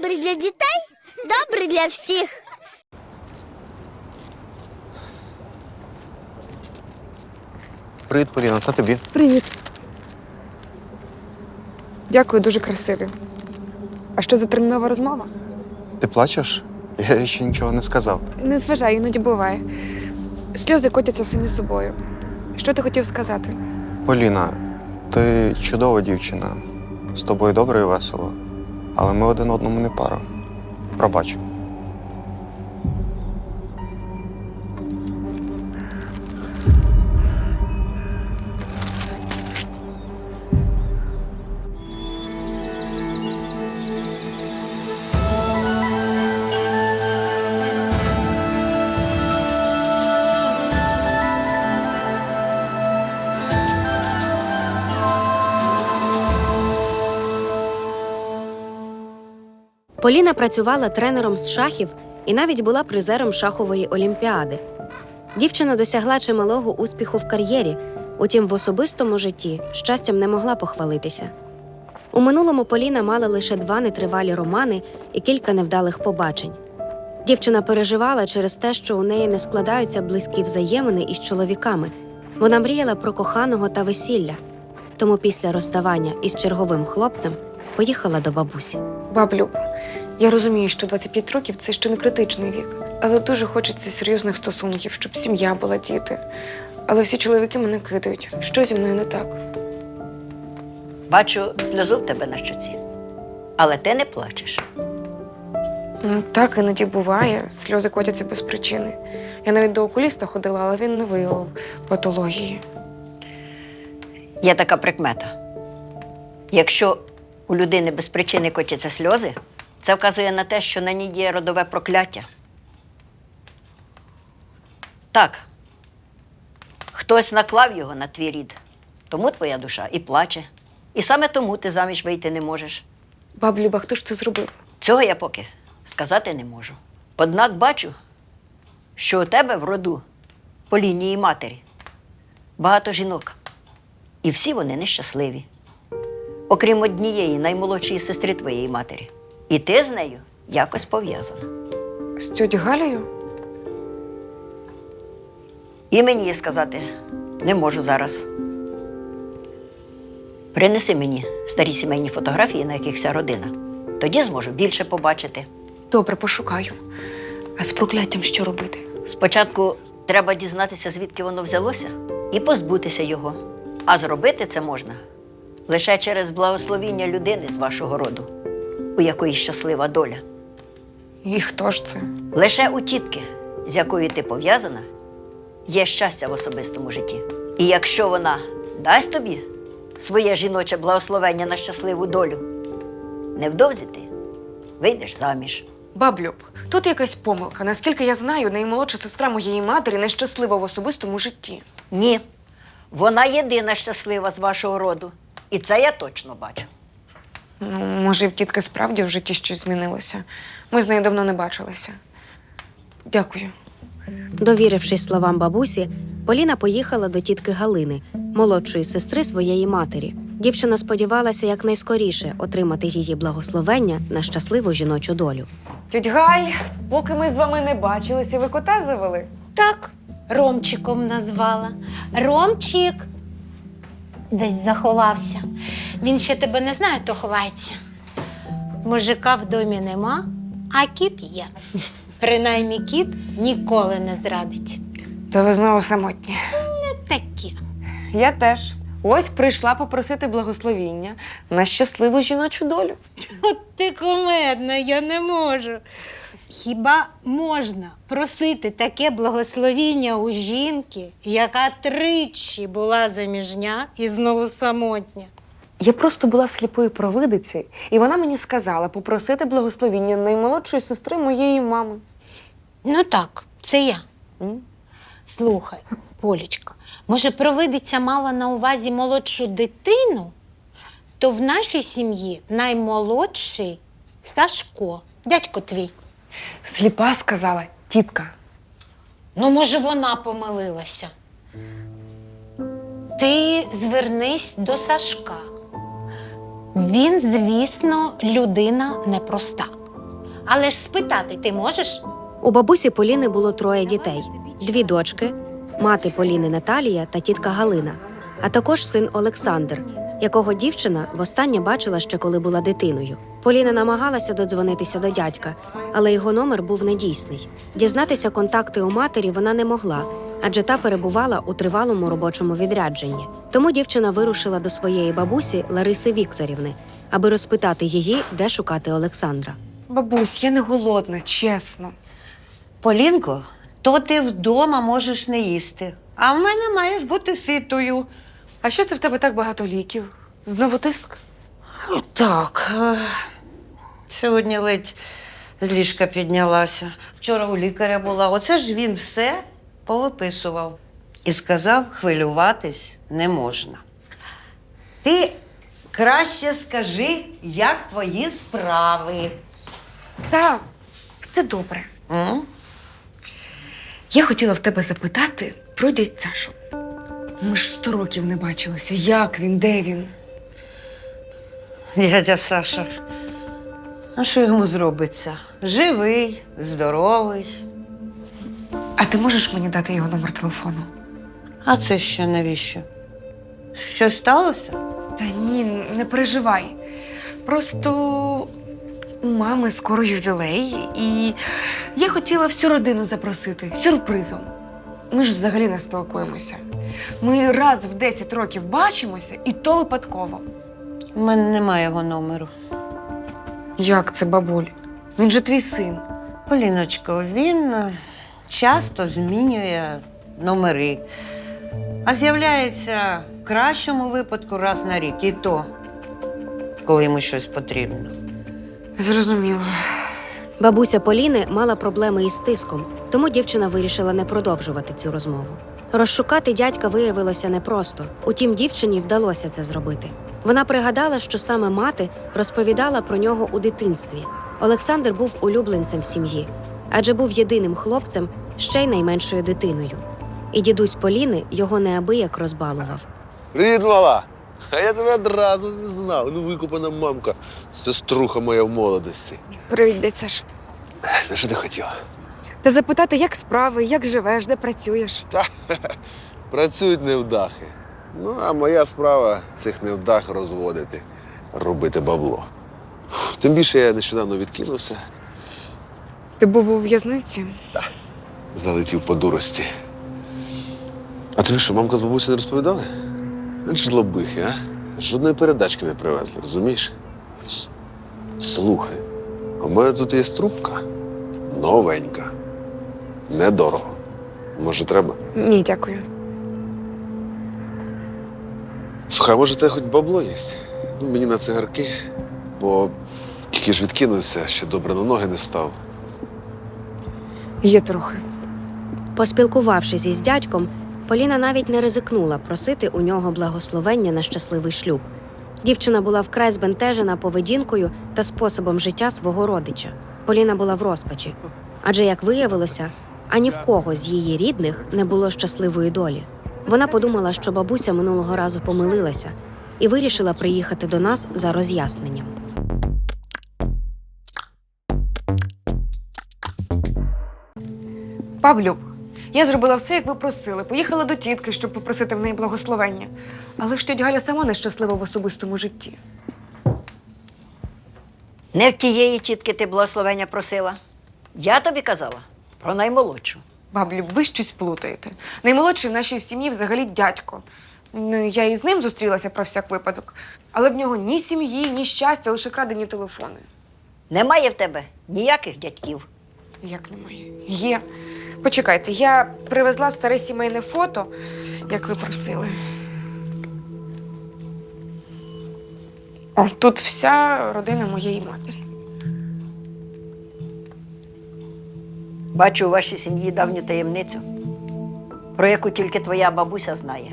Добрий для дітей, добрий для всіх. Привіт, Поліна, це тобі. Привіт. Дякую, дуже красиві. А що за термінова розмова? Ти плачеш? Я ще нічого не сказав. Не зважай, іноді буває. Сльози котяться самі собою. Що ти хотів сказати? Поліна, ти чудова дівчина. З тобою добре і весело. Але ми один одному не пара. Пробач. Поліна працювала тренером з шахів і навіть була призером шахової олімпіади. Дівчина досягла чималого успіху в кар'єрі, утім в особистому житті щастям не могла похвалитися. У минулому Поліна мала лише 2 нетривалі романи і кілька невдалих побачень. Дівчина переживала через те, що у неї не складаються близькі взаємини із чоловіками. Вона мріяла про коханого та весілля. Тому після розставання із черговим хлопцем поїхала до бабусі. Баблю, я розумію, що 25 років – це ще не критичний вік. Але дуже хочеться серйозних стосунків, щоб сім'я була, діти. Але всі чоловіки мене кидають. Що зі мною не так? Бачу сльозу в тебе на щоці, але ти не плачеш. Ну, так іноді буває. Сльози котяться без причини. Я навіть до окуліста ходила, але він не виявив патології. Є така прикмета. Якщо у людини без причини котяться сльози, це вказує на те, що на ній є родове прокляття. Так, хтось наклав його на твій рід, тому твоя душа і плаче. І саме тому ти заміж вийти не можеш. Баб Люба, хто ж це зробив? Цього я поки сказати не можу. Однак бачу, що у тебе в роду по лінії матері багато жінок. І всі вони нещасливі. Окрім однієї наймолодшої сестри твоєї матері. І ти з нею якось пов'язана. З тьотю Галею? І мені сказати не можу зараз. Принеси мені старі сімейні фотографії, на яких вся родина. Тоді зможу більше побачити. Добре, пошукаю. А з прокляттям що робити? Спочатку треба дізнатися, звідки воно взялося, і позбутися його. А зробити це можна лише через благословіння людини з вашого роду, у якої щаслива доля. І хто ж це? Лише у тітки, з якою ти пов'язана, є щастя в особистому житті. І якщо вона дасть тобі своє жіноче благословення на щасливу долю, невдовзі ти вийдеш заміж. Баблюб, тут якась помилка. Наскільки я знаю, наймолодша сестра моєї матері нещаслива в особистому житті. Ні, вона єдина щаслива з вашого роду. І це я точно бачу. Ну, може, в тітки справді в житті щось змінилося. Ми з нею давно не бачилися. Дякую. Довірившись словам бабусі, Поліна поїхала до тітки Галини, молодшої сестри своєї матері. Дівчина сподівалася якнайскоріше отримати її благословення на щасливу жіночу долю. Тьоть Галь, поки ми з вами не бачилися, ви кота завели? Так, Ромчиком назвала. Ромчик десь заховався. Він ще тебе не знає, то ховається. Мужика в домі нема, а кіт є. Принаймні кіт ніколи не зрадить. То ви знову самотні. Таке. Я теж. Ось прийшла попросити благословіння на щасливу жіночу долю. От ти кумедна, я не можу. Хіба можна просити таке благословіння у жінки, яка тричі була заміжня і знову самотня? Я просто була в сліпої провидиці, і вона мені сказала попросити благословіння наймолодшої сестри моєї мами. Ну так, це я. Слухай, Полічка, може, провидиця мала на увазі молодшу дитину? То в нашій сім'ї наймолодший Сашко, дядько твій. Сліпа сказала тітка. Ну, може, вона помилилася. Ти звернись до Сашка. Він, звісно, людина непроста. Але ж спитати ти можеш? У бабусі Поліни було 3 дітей: 2 дочки, мати Поліни Наталія та тітка Галина, а також син Олександр, якого дівчина востаннє бачила ще коли була дитиною. Поліна намагалася додзвонитися до дядька, але його номер був недійсний. Дізнатися контакти у матері вона не могла, адже та перебувала у тривалому робочому відрядженні. Тому дівчина вирушила до своєї бабусі Лариси Вікторівни, аби розпитати її, де шукати Олександра. Бабусь, я не голодна, чесно. Полінко, то ти вдома можеш не їсти, а в мене маєш бути ситою. А що це в тебе так багато ліків? Знову тиск? Так, сьогодні ледь з ліжка піднялася. Вчора у лікаря була. Оце ж він все повиписував. І сказав, хвилюватись не можна. Ти краще скажи, як твої справи. Та, все добре. М? Я хотіла в тебе запитати про дядь Сашу. Ми ж 100 років не бачилися. Як він, де він? Дядя Саша, а що йому зробиться? Живий, здоровий. А ти можеш мені дати його номер телефону? А це що, навіщо? Щось сталося? Та ні, не переживай. Просто у мами скоро ювілей, і я хотіла всю родину запросити сюрпризом. Ми ж взагалі не спілкуємося. Ми раз в 10 років бачимося, і то випадково. У мене немає його номеру. Як це, бабуль? Він же твій син. Поліночко, він часто змінює номери, а з'являється в кращому випадку раз на рік, і то, коли йому щось потрібно. Зрозуміло. Бабуся Поліни мала проблеми із тиском, тому дівчина вирішила не продовжувати цю розмову. Розшукати дядька виявилося непросто, утім дівчині вдалося це зробити. Вона пригадала, що саме мати розповідала про нього у дитинстві. Олександр був улюбленцем в сім'ї, адже був єдиним хлопцем, ще й найменшою дитиною. І дідусь Поліни його неабияк розбалував. Привіт, мала! А я тебе одразу не знав. Ну, викупана мамка, сеструха моя в молодості. Привіт, дядь Саш. Ну, що ти хотіла? Та запитати, як справи, як живеш, де працюєш? Працюють невдахи. Ну, а моя справа цих невдах розводити, робити бабло. Тим більше я нещодавно відкинувся, Ти був у в'язниці? залетів по дурості. А тобі що, мамка з бабусею не розповідали? Ну, жлобихи, а? Жодної передачки не привезли, розумієш? Слухай, у мене тут є трубка. Новенька. Недорого. Може, треба? Ні, дякую. Слухай, а може, тебе хоч бабло є? Ну, мені на цигарки, бо тільки ж відкинувся, ще добре на ноги не став. Є трохи. Поспілкувавшись із дядьком, Поліна навіть не ризикнула просити у нього благословення на щасливий шлюб. Дівчина була вкрай збентежена поведінкою та способом життя свого родича. Поліна була в розпачі, адже, як виявилося, ані в кого з її рідних не було щасливої долі. Вона подумала, що бабуся минулого разу помилилася і вирішила приїхати до нас за роз'ясненням. Павлюк, я зробила все, як ви просили. Поїхала до тітки, щоб попросити в неї благословення. Але ж тьотя Галя сама нещаслива в особистому житті. Не в тієї тітки ти благословення просила. Я тобі казала про наймолодшу. Баблюк, ви щось плутаєте. Наймолодший в нашій сім'ї взагалі дядько. Ну, я і з ним зустрілася про всяк випадок. Але в нього ні сім'ї, ні щастя, лише крадені телефони. Немає в тебе ніяких дядьків. Як немає? Є. Почекайте, я привезла старе сімейне фото, як ви просили. О, тут вся родина моєї матері. Бачу у вашій сім'ї давню таємницю, про яку тільки твоя бабуся знає.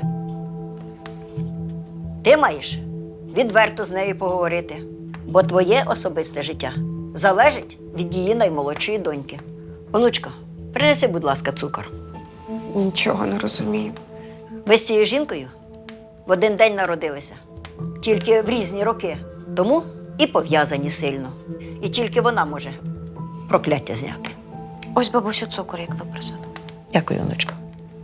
Ти маєш відверто з нею поговорити, бо твоє особисте життя залежить від її наймолодшої доньки. Онучка, принеси, будь ласка, цукор. Нічого не розумію. Ви з цією жінкою в один день народилися, тільки в різні роки, тому і пов'язані сильно. І тільки вона може прокляття зняти. Ось бабусю цукор, як ви просили. Дякую, онучко.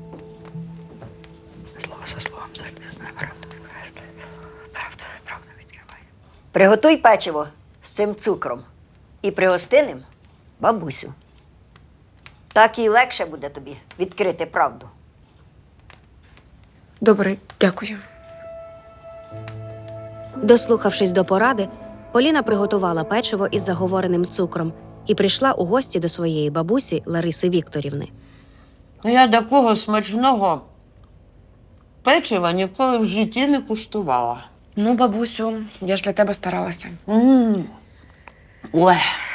Слово за словом, завжди знає правду. Правда відкриває. Приготуй печиво з цим цукром і пригости ним бабусю. Так їй легше буде тобі відкрити правду. Добре, дякую. Дослухавшись до поради, Поліна приготувала печиво із заговореним цукром і прийшла у гості до своєї бабусі Лариси Вікторівни. Я такого смачного печива ніколи в житті не куштувала. Ну, бабусю, я ж для тебе старалася. Ой.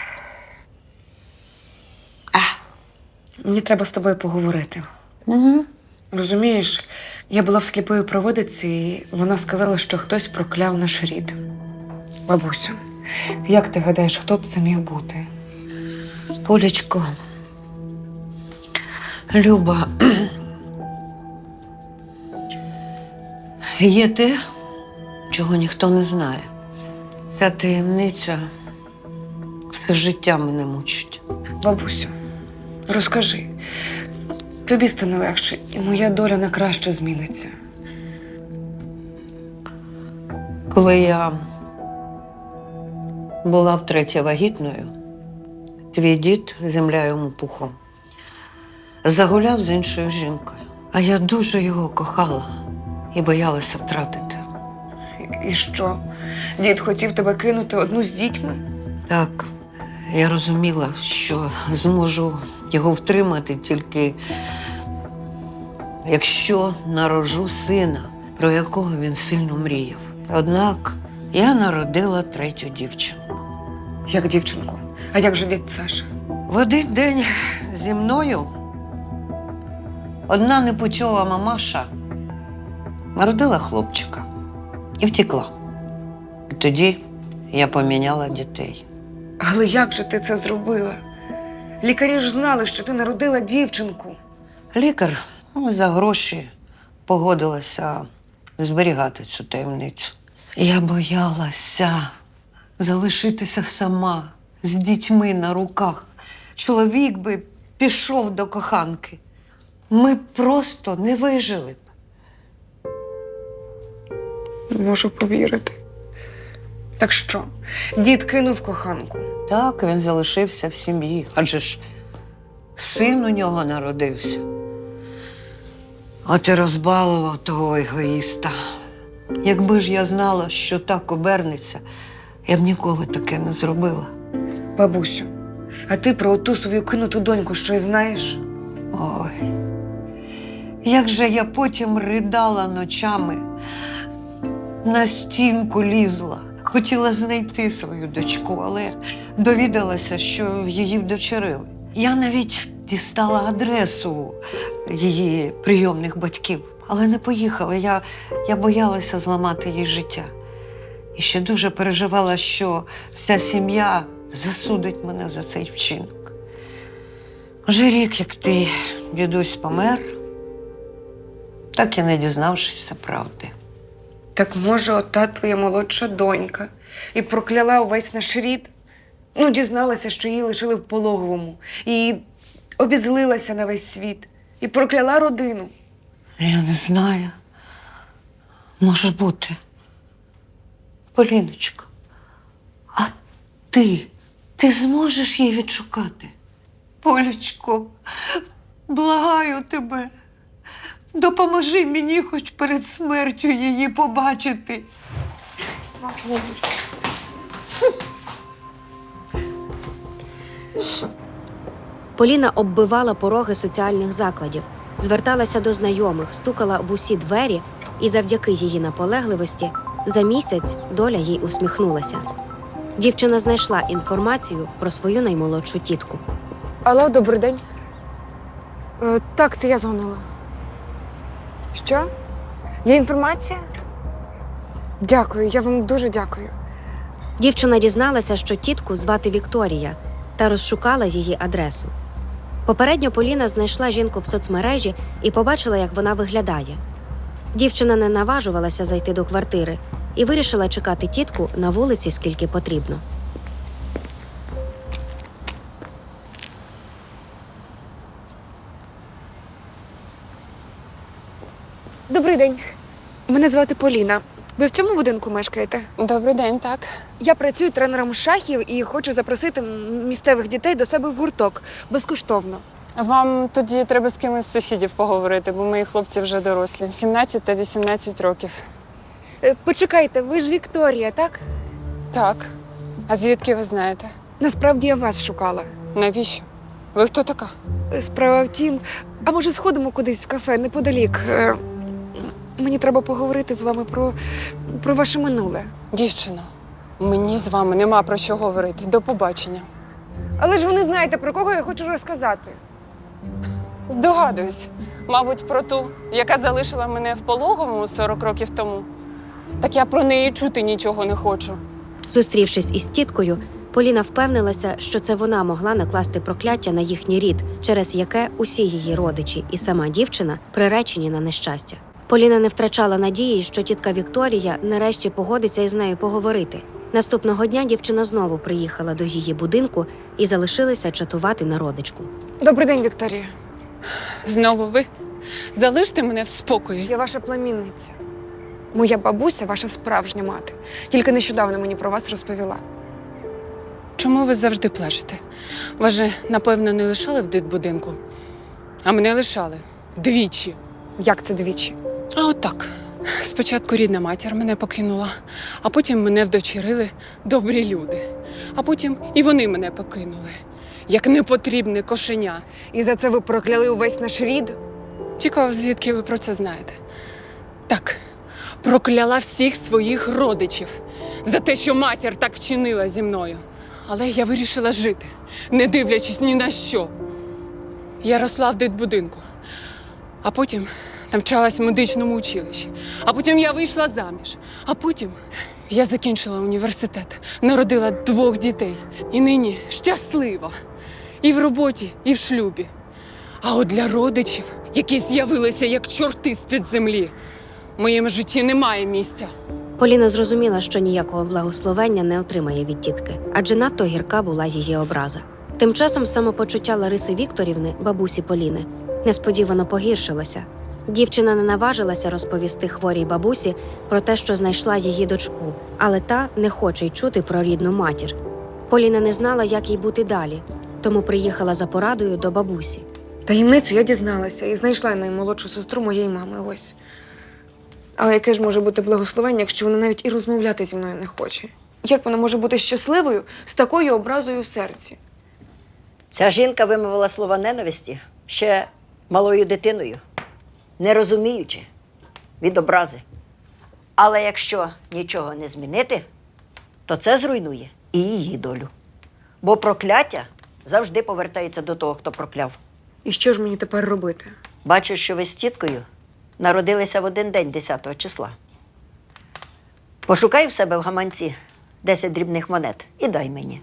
Мені треба з тобою поговорити. Угу. Розумієш, я була в сліпої проводиці, і вона сказала, що хтось прокляв наш рід. Бабусю, як ти гадаєш, хто б це міг бути? Полечко, Люба, є те, чого ніхто не знає. Ця таємниця все життя мене мучить. Бабусю, розкажи. Тобі стане легше, і моя доля на краще зміниться. Коли я була втретє вагітною, твій дід, земля йому пухом, загуляв з іншою жінкою. А я дуже його кохала і боялася втратити. І що? Дід хотів тебе кинути одну з дітьми? Так, я розуміла, що зможу його втримати тільки якщо народжу сина, про якого він сильно мріяв. Однак я народила третю дівчинку. Як дівчинку? А як же дід Саша? В один день зі мною одна непочова мамаша народила хлопчика і втекла. І тоді я поміняла дітей. Але як же ти це зробила? Лікарі ж знали, що ти народила дівчинку. Лікар за гроші погодилася зберігати цю таємницю. Я боялася залишитися сама з дітьми на руках. Чоловік би пішов до коханки. Ми просто не вижили б. Не можу повірити. Так що, дід кинув коханку? Так, він залишився в сім'ї, адже ж син у нього народився. От і розбалував того егоїста. Якби ж я знала, що так обернеться, я б ніколи таке не зробила. Бабусю, а ти про оту свою кинуту доньку щось знаєш? Ой, як же я потім ридала ночами, на стінку лізла. Хотіла знайти свою дочку, але довідалася, що її вдочерили. Я навіть дістала адресу її прийомних батьків, але не поїхала. Я боялася зламати їй життя. І ще дуже переживала, що вся сім'я засудить мене за цей вчинок. Вже рік, як ти, дідусь, помер, так і не дізнавшися правди. Так може, ота твоя молодша донька і прокляла увесь наш рід? Ну, дізналася, що її лишили в пологовому, і обізлилася на весь світ, і прокляла родину. Я не знаю. Може бути. Поліночко, а ти зможеш її відшукати? Полечко, благаю тебе, допоможи мені хоч перед смертю її побачити. Поліна оббивала пороги соціальних закладів, зверталася до знайомих, стукала в усі двері, і завдяки її наполегливості за місяць доля їй усміхнулася. Дівчина знайшла інформацію про свою наймолодшу тітку. Алло, добрий день. Так, це я дзвонила. Що? Є інформація? Дякую, я вам дуже дякую. Дівчина дізналася, що тітку звати Вікторія, та розшукала її адресу. Попередньо Поліна знайшла жінку в соцмережі і побачила, як вона виглядає. Дівчина не наважувалася зайти до квартири і вирішила чекати тітку на вулиці, скільки потрібно. Мене звати Поліна. Ви в цьому будинку мешкаєте? Добрий день, так. Я працюю тренером з шахів і хочу запросити місцевих дітей до себе в гурток безкоштовно. Вам тоді треба з кимось з сусідів поговорити, бо мої хлопці вже дорослі. 17 та 18 років. Почекайте, ви ж Вікторія, так? Так. А звідки ви знаєте? Насправді я вас шукала. Навіщо? Ви хто така? Справа в тім, а може сходимо кудись в кафе неподалік. Мені треба поговорити з вами про ваше минуле. Дівчино, мені з вами нема про що говорити. До побачення. Але ж ви не знаєте, про кого я хочу розказати. Здогадуюсь. Мабуть, про ту, яка залишила мене в пологовому 40 років тому. Так я про неї чути нічого не хочу. Зустрівшись із тіткою, Поліна впевнилася, що це вона могла накласти прокляття на їхній рід, через яке усі її родичі і сама дівчина приречені на нещастя. Поліна не втрачала надії, що тітка Вікторія нарешті погодиться із нею поговорити. Наступного дня дівчина знову приїхала до її будинку і залишилася чатувати на родичку. Добрий день, Вікторія. Знову ви? Залиште мене в спокої. Я ваша племінниця. Моя бабуся ваша справжня мати. Тільки нещодавно мені про вас розповіла. Чому ви завжди плачете? Вас же, напевно, не лишали в дитбудинку? А мене лишали. Двічі. Як це двічі? А отак. Спочатку рідна матір мене покинула, а потім мене вдочерили добрі люди. А потім і вони мене покинули, як непотрібне кошеня. І за це ви прокляли увесь наш рід? Цікаво, звідки ви про це знаєте? Так, прокляла всіх своїх родичів за те, що матір так вчинила зі мною. Але я вирішила жити, не дивлячись ні на що. Я росла в дитбудинку, а потім навчалась в медичному училищі. А потім я вийшла заміж. А потім я закінчила університет, народила 2 дітей. І нині щаслива. І в роботі, і в шлюбі. А от для родичів, які з'явилися як чорти з-під землі, в моєму житті немає місця. Поліна зрозуміла, що ніякого благословення не отримає від тітки, адже надто гірка була її образа. Тим часом самопочуття Лариси Вікторівни, бабусі Поліни, несподівано погіршилося. Дівчина не наважилася розповісти хворій бабусі про те, що знайшла її дочку, але та не хоче й чути про рідну матір. Поліна не знала, як їй бути далі, тому приїхала за порадою до бабусі. Таємницю я дізналася і знайшла наймолодшу сестру моєї мами. Ось. Але яке ж може бути благословення, якщо вона навіть і розмовляти зі мною не хоче? Як вона може бути щасливою з такою образою в серці? Ця жінка вимовила слова ненависті ще малою дитиною, не розуміючи від образи. Але якщо нічого не змінити, то це зруйнує і її долю. Бо прокляття завжди повертається до того, хто прокляв. І що ж мені тепер робити? Бачу, що ви з тіткою народилися в один день 10 числа. Пошукай в себе в гаманці 10 дрібних монет і дай мені.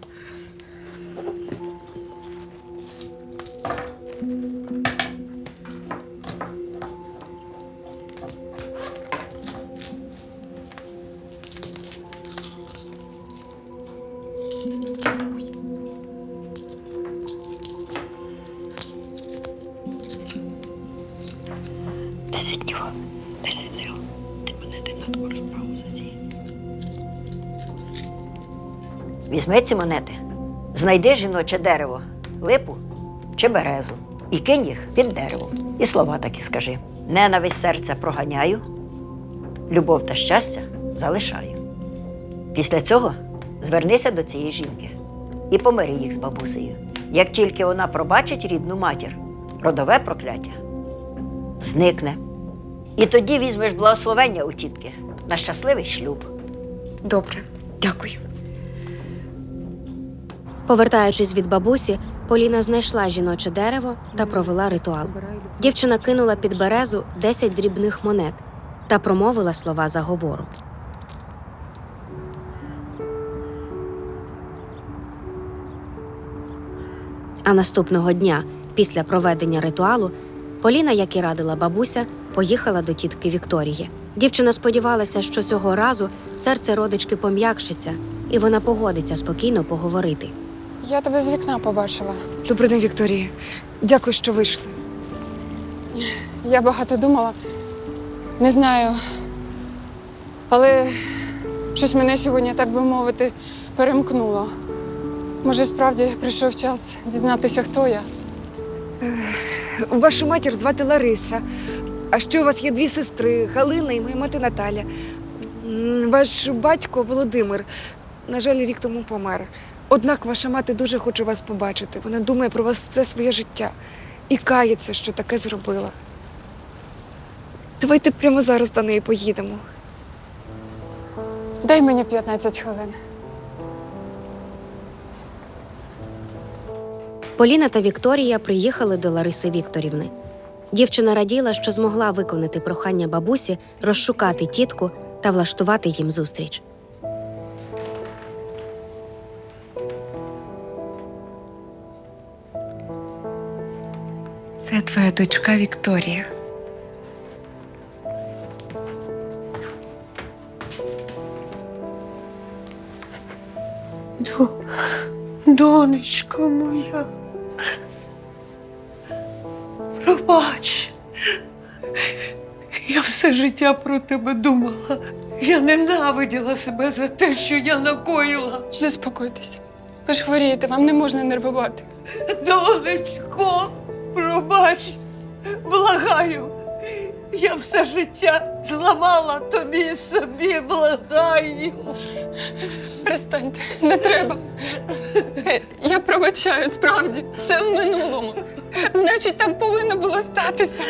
Візьми ці монети, знайди жіноче дерево, липу чи березу і кинь їх під деревом. І слова такі скажи. Ненависть серця проганяю, любов та щастя залишаю. Після цього звернися до цієї жінки і помири їх з бабусею. Як тільки вона пробачить рідну матір, родове прокляття зникне. І тоді візьмеш благословення у тітки на щасливий шлюб. Добре, дякую. Повертаючись від бабусі, Поліна знайшла жіноче дерево та провела ритуал. Дівчина кинула під березу 10 дрібних монет та промовила слова заговору. А наступного дня, після проведення ритуалу, Поліна, як і радила бабуся, поїхала до тітки Вікторії. Дівчина сподівалася, що цього разу серце родички пом'якшиться, і вона погодиться спокійно поговорити. Я тебе з вікна побачила. Добрий день, Вікторія. Дякую, що вийшли. Я багато думала. Не знаю, Але щось мене сьогодні, так би мовити, перемкнуло. Може, справді прийшов час дізнатися, хто я. Вашу матір звати Лариса. А ще у вас є 2 сестри Галина і моя мати Наталя. Ваш батько Володимир, на жаль, рік тому помер. Однак ваша мати дуже хоче вас побачити. Вона думає про вас все своє життя і кається, що таке зробила. Давайте прямо зараз до неї поїдемо. Дай мені 15 хвилин. Поліна та Вікторія приїхали до Лариси Вікторівни. Дівчина раділа, що змогла виконати прохання бабусі розшукати тітку та влаштувати їм зустріч. Це твоя дочка Вікторія. Донечко моя. Пробач. Я все життя про тебе думала. Я ненавиділа себе за те, що я накоїла. Заспокойтесь. Ви ж хворієте, вам не можна нервувати. Донечко, пробач, благаю. Я все життя зламала тобі і собі, благаю. Перестаньте, не треба. Я пробачаю, справді, все в минулому. Значить, так повинно було статися.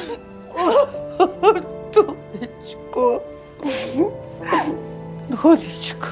Донечко. Донечко.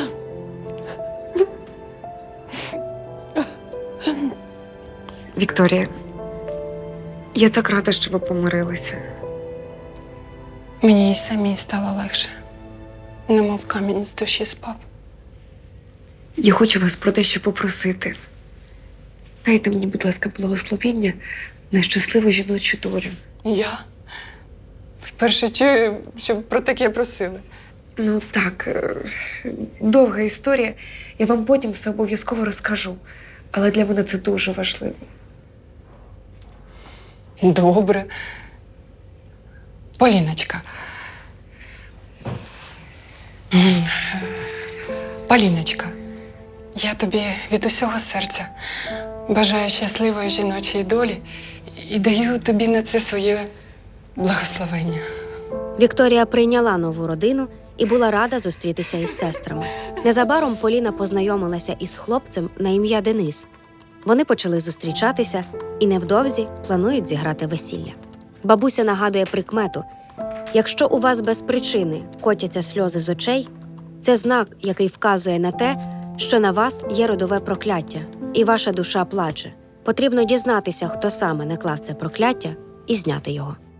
Вікторія, я так рада, що ви помирилися. Мені і самій стало легше. Немов камінь з душі спав. Я хочу вас про дещо попросити. Дайте мені, будь ласка, благословіння на щасливу жіночу долю. Я вперше чую, що про таке просили. Ну так, довга історія. Я вам потім все обов'язково розкажу. Але для мене це дуже важливо. Добре. Поліночка. Поліночка, я тобі від усього серця бажаю щасливої жіночої долі і даю тобі на це своє благословення. Вікторія прийняла нову родину і була рада зустрітися із сестрами. Незабаром Поліна познайомилася із хлопцем на ім'я Денис. Вони почали зустрічатися і невдовзі планують зіграти весілля. Бабуся нагадує прикмету: якщо у вас без причини котяться сльози з очей, це знак, який вказує на те, що на вас є родове прокляття, і ваша душа плаче. Потрібно дізнатися, хто саме наклав це прокляття, і зняти його.